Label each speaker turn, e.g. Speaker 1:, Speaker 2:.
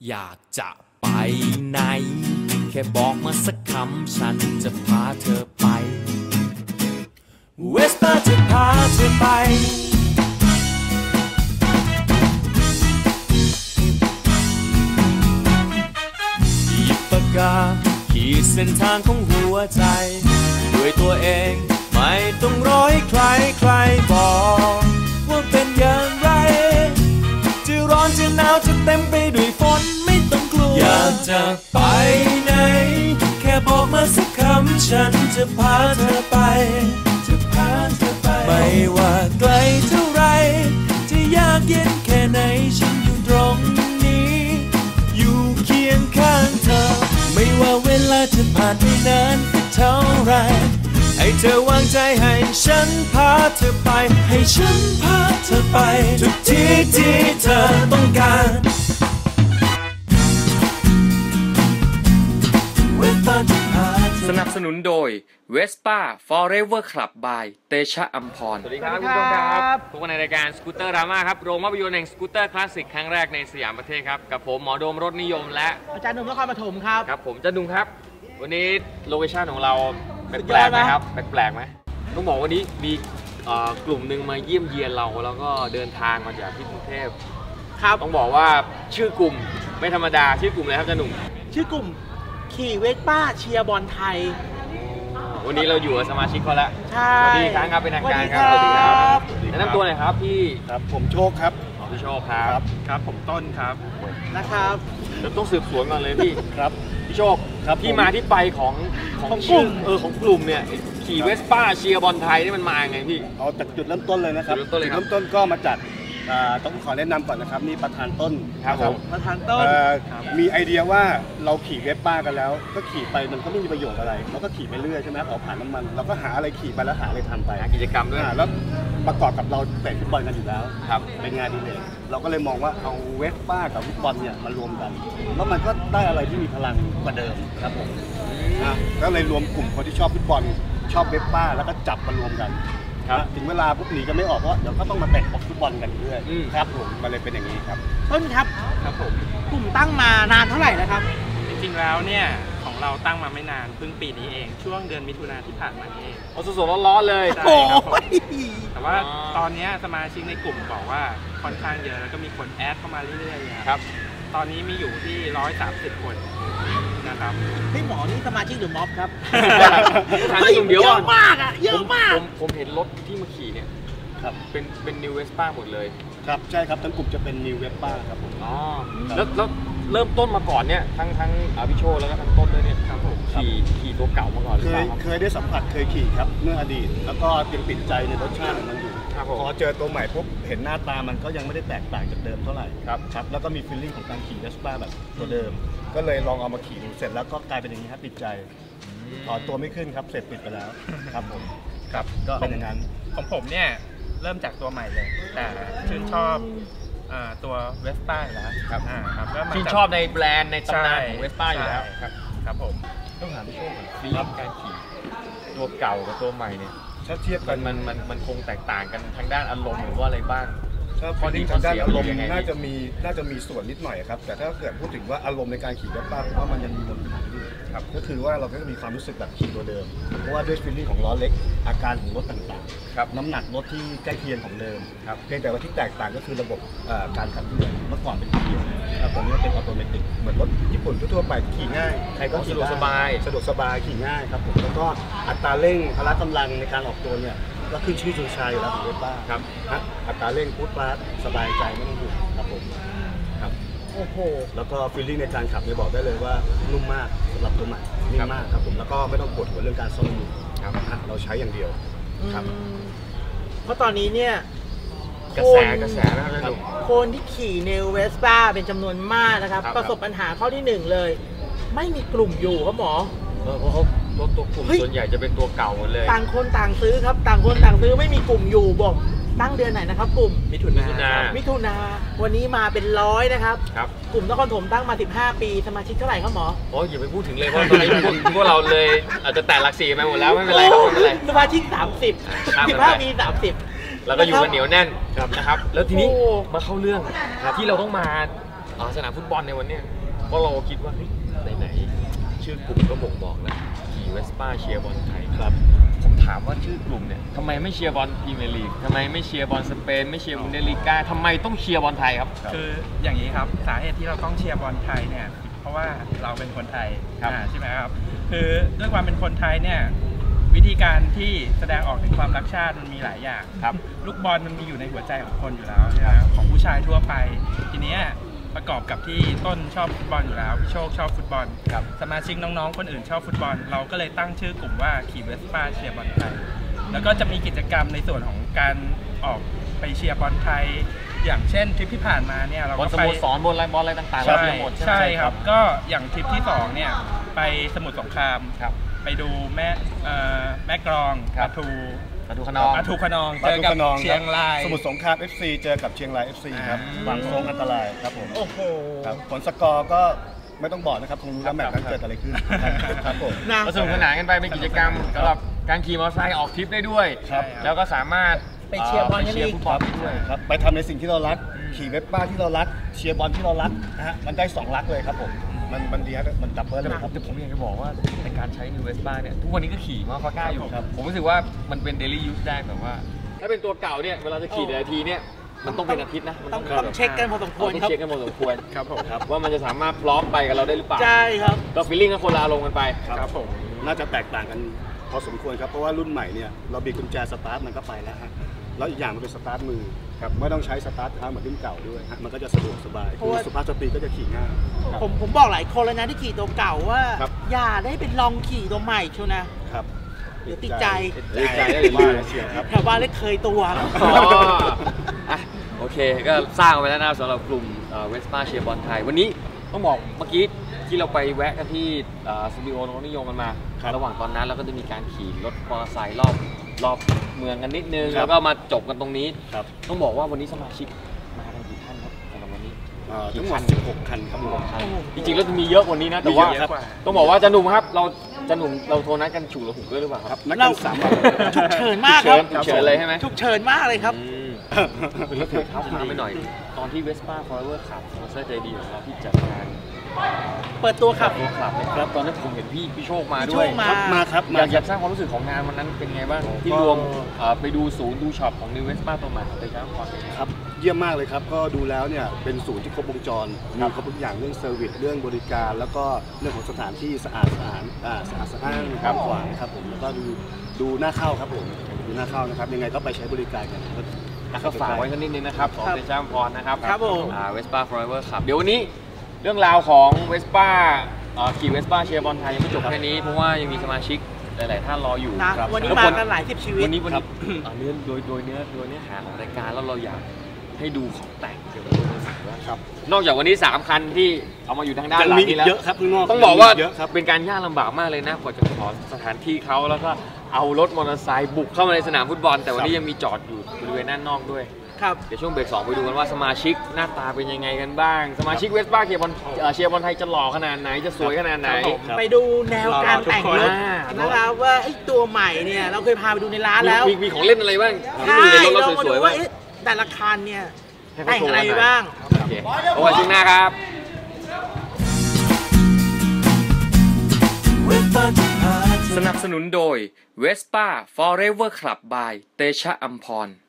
Speaker 1: อยากจะไปไหนแค่บอกมาสักคำฉันจะพาเธอไปเวสป้าจะพาเธอไปหยิบปากกาขีดเส้นทางของหัวใจด้วยตัวเองไม่ต้องรอให้ใครบอกว่าเป็นอย่างไรจะร้อนจะหนาวจะเต็มไปด้วยฝนไม่ต้องกลัวอยากจะไปไหนแค่บอกมาสักคำฉันจะพาเธอไปไม่ว่าไกลเท่าไรจะยากเย็นแค่ไหนฉันอยู่ตรงนี้อยู่เคียงข้างเธอไม่ว่าเวลาจะผ่านไปนานเท่าไรให้เธอวางใจให้ฉันพาเธอไปให้ฉันพาเธอไปทุกที่ที่เธอต้องการสนับสนุนโดย Vespa Forever Club by เตชะอัมพร
Speaker 2: สวัสดีครับคุณผู้ชมครับทุกคนในรายการสกูตเตอร์ดราม่าครับโรงภาพยนตร์แห่งสกูตเตอร์คลาสสิกครั้งแรกในสยามประเทศครับกับผมหมอโดมรถนิยมและ
Speaker 3: อาจารย์หนุ่มนครปฐมครับ
Speaker 2: ครับผมจันดุงครับวันนี้โลเคชั่นของเราแปลกไหมครับแปลกไหมต้องบอกวันนี้มีกลุ่มหนึ่งมาเยี่ยมเยียนเราแล้วก็เดินทางมาจากที่กรุงเทพครับต้องบอกว่าชื่อกลุ่มไม่ธรรมดาชื่อกลุ่มอะไรครับจันดุง
Speaker 3: ชื่อกลุ่มขี่เวสป้าเชียร์บอลไทย
Speaker 2: วันนี้เราอยู่กับสมาชิกเขาแล้ว
Speaker 3: ใช่
Speaker 2: สวัสดีครับเป็นทางการครับสวัสดีครับแนะนำตัวหน่อยครับพี่
Speaker 4: ครับผมโชคครับ
Speaker 2: พี่โชคครับ
Speaker 4: ครับผมต้นครับ
Speaker 3: นะครับ
Speaker 2: เราต้องสืบสวนก่อนเลยพี่
Speaker 4: ครับ
Speaker 2: พี่โชคครับที่มาที่ไปของกลุ่มของกลุ่มเนี่ยขี่เวสป้าเชียร์บอลไทยนี่มันมาไงพี่
Speaker 4: เอาจากจุดเริ่มต้นเลยนะครับจุดเริ่มต้นก็มาจากต้องขอแนะนำก่อนนะครับนี่ประธานต้น
Speaker 2: ครับผม
Speaker 3: ประธานต้น
Speaker 4: มีไอเดียว่าเราขี่เวสป้ากันแล้วก็ขี่ไปมันก็ไม่มีประโยชน์อะไรเราก็ขี่ไปเรื่อยใช่ไหมเผาผ่านน้ำมันเราก็หาอะไรขี่ไปแล้วหาอะไรทำไป
Speaker 2: กิจกรรมด้วย
Speaker 4: แล้วประกอบกับเราเตะฟุตบอลกันอยู่แล้ว
Speaker 2: ครับ
Speaker 4: เป็นงานดีเลยเราก็เลยมองว่าเอาเวสป้ากับฟุตบอลเนี่ยมารวมกันแล้วมันก็ได้อะไรที่มีพลังกว่าเดิมครับผมก็เลยรวมกลุ่มคนที่ชอบฟุตบอลชอบเวสป้าแล้วก็จับมารวมกันถึงเวลาปุ๊บหนีกันไม่ออกเพราะเดี๋ยวก็ต้องมาเตะฟุตบอลกันเรื่อยครับผมมันเลยเป็นอย่างนี้ครับ
Speaker 3: ต้นครับ
Speaker 5: ครับผม
Speaker 3: กลุ่มตั้งมานานเท่าไหร่แล้วครับ
Speaker 5: จริงๆแล้วเนี่ยของเราตั้งมาไม่นานเพิ่งปีนี้เองช่วงเดือนมิถุนายนที่ผ่านมาเอง
Speaker 2: สดๆร้อนๆเลย
Speaker 5: ใช่ครับแต่ว่าตอนนี้สมาชิกในกลุ่มบอกว่าค่อนข้างเยอะแล้วก็มีคนแอดเข้ามาเรื่อยๆครับตอนนี้มีอยู่ที่130 คนนะครับ
Speaker 3: พี่หมอนี่สมาชิกหรือม็อบครับ
Speaker 2: เยอะ
Speaker 3: มากอ่ะเยอะมาก
Speaker 2: ผมเห็นรถที่มาขี่เนี่ยครับเป็นนิวเวสป้าหมดเลย
Speaker 4: ครับใช่ครับทั้งกลุ่มจะเป็นนิวเวสป้าครับผม
Speaker 2: อ๋อแล้วเริ่มต้นมาก่อนเนี่ยทั้งพี่โชแล้วก็ทั้งต้นด้วยเนี่ยครับผมขี่ตัวเก่ามาก่อนหรือเปล่า
Speaker 4: เคยได้สัมผัสเคยขี่ครับเมื่ออดีตแล้วก็ยังติดใจในรสชาติของมันอยู่พอเจอตัวใหม่ปุ๊บเห็นหน้าตามันก็ยังไม่ได้แตกต่างจากเดิมเท่าไหร่ครับแล้วก็มีฟีลลิ่งของการขี่เวสป้าแบบตัวเดิมก็เลยลองเอามาขี่ดูเสร็จแล้วก็กลายเป็นอย่างนี้ครับติดใจถอนตัวไม่ขึ้นครับเสร็จปิดไปแล้วครับผม
Speaker 5: ครับก็เป็นอย่างนั้นของผมเนี่ยเริ่มจากตัวใหม่เลยแต่ชื่นชอบตัวเวสป้าอยู่แล้ว
Speaker 2: ครับ
Speaker 5: ครับ
Speaker 2: ชื่นชอบในแบรนด์ในตำนานของเวสป้าอยู่แล้ว
Speaker 5: ครับผม
Speaker 2: ต้องถามพี่โชคก่อนฟีลการขี่ตัวเก่ากับตัวใหม่เนี่ย
Speaker 4: ถ้าเทียบกัน
Speaker 2: มันคงแตกต่างกันทางด้านอารมณ์หรือว่าอะไรบ้าง
Speaker 4: ข้อดีทางด้านอารมณ์น่าจะมีส่วนนิดหน่อยครับแต่ถ้าเกิดพูดถึงว่าอารมณ์ในการขี่เวสป้าผมว่ามันยังมีบนฐานอยู่ครับก็คือว่าเราก็จะมีความรู้สึกแบบขี่ตัวเดิมเพราะว่าด้วยฟีลลิ่งของล้อเล็กอาการของรถต่างๆครับน้ำหนักรถที่ใกล้เคียงของเดิมครับเพียงแต่ว่าที่แตกต่างก็คือระบบการขับเคลื่อนเมื่อก่อนเป็นเกียร์ครับตอนนี้เป็นออโตเมติกเหมือนรถญี่ปุ่นทั่วไปขี่ง่ายใครก็
Speaker 2: สะดวกสบ
Speaker 4: ายขี่ง่ายครับผมแล้วก็อัตราเร่งพละกำลังในการออกตัวเนี่ยก็ขึ้นชื่อชูชาอยู่แล้วของเวสป้า
Speaker 2: ครับ
Speaker 4: อัตราเร่งพุทธาสบายใจไม่ต้องห่วงครับผมครับ
Speaker 3: โอ้โห
Speaker 4: แล้วก็ฟีลลิ่งในการขับเนี่ยบอกได้เลยว่านุ่มมากสำหรับตัวใหม่นิ่มมากครับผมแล้วก็ไม่ต้องปวดหัวเรื่องการซ่อมมือครับเราใช้อย่างเดียวครับ
Speaker 3: เพราะตอนนี้เนี่ย
Speaker 2: กระแสนะครับ
Speaker 3: คนที่ขี่เนวเวสป้าเป็นจำนวนมากนะครับประสบปัญหาข้อที่1เลยไม่มีกลุ่มอยู่ครับหมอ
Speaker 2: เพราะเขาตัวกลุ่มส่วนใหญ่จะเป็นตัวเก่าหมดเลย
Speaker 3: ต่างคนต่างซื้อครับต่างคนต่างซื้อไม่มีกลุ่มอยู่บอกตั้งเดือนไหนนะครับกลุ่ม
Speaker 2: มิถุนา
Speaker 3: วันนี้มาเป็น100นะครับกลุ่มนครปฐมตั้งมา15 ปีสมาชิกเท่าไหร่ครับหมอ
Speaker 2: อย่าไปพูดถึงเลยเพราะตอนนี้พวกเราเลยอาจจะแตะหลัก4ไปหมดแล้วไม่เป็นไรครับไม่เป็นไร
Speaker 3: สมาชิก15 ปี30
Speaker 2: แล้วก็อยู่กันเหนียวแน่นนะครับแล้วทีนี้มาเข้าเรื่องที่เราต้องมาสนามฟุตบอลในวันเนี้ยเพราะเราคิดว่าไหนชื่อกลุ่มก็บ่งบอกแล้วขี่เวสป้าเชียร์บอลไทยครับผมถามว่าชื่อกลุ่มเนี่ยทำไมไม่เชียร์บอลพรีเมียร์ลีกทำไมไม่เชียร์บอลสเปนไม่เชียร์บุนเดสลีกาทำไมต้องเชียร์บอลไทยครับ
Speaker 5: คืออย่างนี้ครับสาเหตุที่เราต้องเชียร์บอลไทยเนี่ยเพราะว่าเราเป็นคนไทยใช่ไหมครับคือด้วยความเป็นคนไทยเนี่ยวิธีการที่แสดงออกถึงความรักชาติมันมีหลายอย่างครับลูกบอลมันมีอยู่ในหัวใจของคนอยู่แล้วนะครับของผู้ชายทั่วไปทีนี้ประกอบกับที่ต้นชอบฟุตบอลอยู่แล้วพี่โชคชอบฟุตบอลสมาชิกน้องๆคนอื่นชอบฟุตบอลเราก็เลยตั้งชื่อกลุ่มว่าขี่เวสป้าเชียร์บอลไทยแล้วก็จะมีกิจกรรมในส่วนของการออกไปเชียร์บอลไทยอย่างเช่นทริปที่ผ่านมาเนี่ยเราก็ไป
Speaker 2: บอลสโมสรบอลอะไรต่างๆ
Speaker 5: ใช่ครับก็อย่างทริปที่2เนี่ยไปสมุทรสงครามไปดูแม่กลองปทุขนองเจอกับเชียงราย
Speaker 4: สมุทรสงคราม FC เจอกับเชียงราย FC ครับบางทรงอันตรายครับผม
Speaker 3: โอ้โห
Speaker 4: ครับผลสกอร์ก็ไม่ต้องบอกนะครับคงรู้แล้วแมตช์นั้นเกิดอะไรขึ้นครับผม
Speaker 2: สนุกสนานกันไปเป็นกิจกรรมสำหรับการขี่มอเตอร์ไซค์ออกทริปได้ด้วยแล้วก็สามารถ
Speaker 3: ไปเชียร์บอลกันอีก
Speaker 4: ครับไปทำในสิ่งที่เรารักขี่เวสป้าที่เรารักเชียร์บอลที่เรารักนะฮะมันได้2รักเลยครับผมมันดีครับมันดับเบิ้ลเลยครับ
Speaker 2: แต่ผมอยากจะบอกว่าในการใช้นิวเวสป้าเนี่ยทุกวันนี้ก็ขี่มาฟาก้าอยู่ผมรู้สึกว่ามันเป็นเดลี่ยูสได้แบบว่าถ้าเป็นตัวเก่าเนี่ยเวลาจะขี่แต่ละทีเนี่ยมันต้องเป็นอาทิตย์นะ
Speaker 3: ต้องเช็คกันพอสมควร
Speaker 2: ครับเช็คกันพอสมควรครับผมครับว่ามันจะสามารถพร้อมไปกับเราได้หรือเปล่า
Speaker 3: ใช่ครับ
Speaker 2: ก็ฟีลลิ่งก็คนละอารมณ์กันไป
Speaker 4: ครับผมน่าจะแตกต่างกันพอสมควรครับเพราะว่ารุ่นใหม่เนี่ยเราบีบกุญแจสตาร์ทมันก็ไปแล้วฮะแล้วอีกอย่างมันเป็นสตาร์ทมือครับไม่ต้องใช้สตาร์ทเท้าเหมือนรุ่นเก่าด้วยมันก็จะสะดวกสบายคือสุภาพสตรีก็จะขี่ง่าย
Speaker 3: ผมบอกหลายคนแล้วนะที่ขี่ตัวเก่าว่าอย่าได้ไปลองขี่ตัวใหม่ชัวนะครับเดี๋ยวติดใจ
Speaker 2: ได้
Speaker 4: เชียร์ครับ
Speaker 3: แถวบ้านเล็กเคยตัว
Speaker 2: โอเคก็สร้างไปแล้วนะสำหรับกลุ่มเวสป้าเชียร์บอลไทยวันนี้ต้องบอกเมื่อกี้ที่เราไปแวะกันที่สตูดิโอน้องนิยมกันมาระหว่างตอนนั้นเราก็จะมีการขี่รถมอเตอร์ไซค์รอบเมืองกันนิดนึงแล้วก็มาจบกันตรงนี้ต้องบอกว่าวันนี้สมาชิกมากันกี่ท่านครับสำหรับวันนี้
Speaker 4: ทั้งหมด16 คันครับ
Speaker 2: จริงๆแล้วจะมีเยอะกว่านี้นะแต่ว่าต้องบอกว่าจะหนุ่มครับเราโทรนัดกันฉุกระหุกด้วยหรือเปล่าครับ
Speaker 4: นัดกัน3 วัน
Speaker 3: ฉุกเฉินมากครับ
Speaker 2: ฉุกเฉินเลยใช่ไหม
Speaker 3: ฉุกเฉินมากเลยครับ
Speaker 2: แล้วถึงเท้าความไปหน่อยตอนที่เวสป้าฟอร์เวอร์ขับสปอนเซอร์ใจดีของเราที่จัดงาน
Speaker 3: เปิดตัวขับ
Speaker 2: นะครับตอนนั้นผมเห็นพี่โชคมาด้วย
Speaker 4: มาครับ
Speaker 2: อยากสร้างความรู้สึกของงานวันนั้นเป็นไงบ้างที่รวมไปดูศูนย์ดูช็อปของนิวเวสป้าตัวใหม่ของเตชะพร
Speaker 4: ครับเยี่ยมมากเลยครับก็ดูแล้วเนี่ยเป็นศูนย์ที่ครบวงจรมีครบทุกอย่างเรื่องเซอร์วิสเรื่องบริการแล้วก็เรื่องของสถานที่สะอาดสะอ้านครับขวางครับผมแล้วก็ดูน่าเข้าครับผมดูน่าเข้านะครับยังไงก็ไปใช้บริการกัน
Speaker 2: ก็ฝากไว้สักนิดนึงนะครับของเตชะพรนะครับ
Speaker 3: ครับผม
Speaker 2: เวสป้าฟอร์เวอร์ขับเดี๋ยววันนี้เรื่องราวของเวสป้าขี่เวสป้าเชียร์บอลไทยยังไม่จบแค่นี้เพราะว่ายังมีสมาชิกหลายๆท่านรออยู่
Speaker 3: วันนี้มากันหลายสิบชีวิต
Speaker 2: วันนี้โดยเนื้อหาของรายการแล้วเราอยากให้ดูของแต่งเกี่ยวกับรถมือสองครับนอกจากวันนี้3 คันที่เอามาอยู่ทางด้านหลังนี้แล้วต้องบอกว่าเป็นการยากลำบากมากเลยนะกว่าจะขอสถานที่เขาแล้วก็เอารถมอเตอร์ไซค์บุกเข้ามาในสนามฟุตบอลแต่วันนี้ยังมีจอดอยู่บริเวณด้านนอกด้วยเดี๋ยวช่วงเบรก 2ไปดูกันว่าสมาชิกหน้าตาเป็นยังไงกันบ้างสมาชิกเวสป้าเชียร์บอลไทยจะหล่อขนาดไหนจะสวยขนาดไหน
Speaker 3: ไปดูแนวการแต่งรถนะครับว่าไอ้ตัวใหม่เนี่ยเราเคยพาไปดูในร้านแล้ว
Speaker 2: มีของเล่นอะไรบ้าง
Speaker 3: ใช่เรามาดูว่าแต่ละคันเนี่ยแต่งอะไรบ้าง
Speaker 2: โอเคเอาไว้ช่วงหน้าครับสนับสนุนโดย Vespa Forever Club by เตชะอัมพร